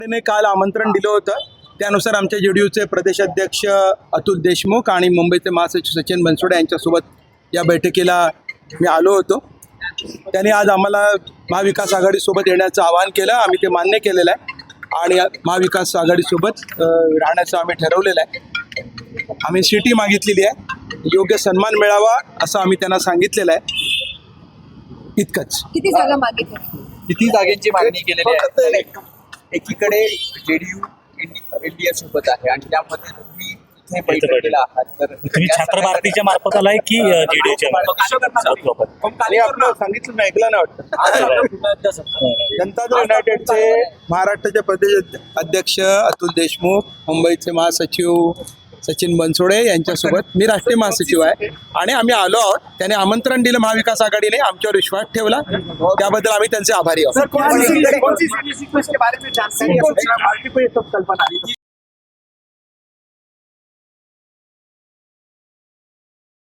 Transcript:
ने काल आमंत्रण दिलं होतं. त्यानुसार आमच्या जेडीयूचे प्रदेशाध्यक्ष अतुल देशमुख आणि मुंबईचे महासचिव सचिन बनसोडे यांच्यासोबत या बैठकीला मी आलो होतो. त्यांनी आज आम्हाला महाविकास आघाडीसोबत येण्याचं आवाहन केलं. आम्ही ते मान्य केलेलं आहे आणि महाविकास आघाडीसोबत राहण्याचं आम्ही ठरवलेलं आहे. आम्ही सिटी मागितलेली आहे, योग्य सन्मान मिळावा असं आम्ही त्यांना सांगितलेलं आहे. इतकंच. किती जागा मागितल्या? किती जागेची मागणी केलेली आहे? एकीकडे जेडीयू इंडिया सोबत आहे आणि त्यामध्ये तुम्ही इथे बैठकीला आहात, तर तुम्ही छात्र भारतीच्या मार्फत आलाय की जेडीयूच्या आणि आपलं सांगितलं मी ऐकलं नाही वाटतं. जनता दल युनायटेडचे महाराष्ट्राचे प्रदेश अध्यक्ष अतुल देशमुख, मुंबईचे महासचिव सचिन बनसोडे यांच्यासोबत मी राष्ट्रीय महासचिव आहे आणि आम्ही आलो आहोत. त्याने आमंत्रण दिलं महाविकास आघाडीने, आमच्यावर विश्वास ठेवला, त्याबद्दल आम्ही त्यांचे आभारी आहोत.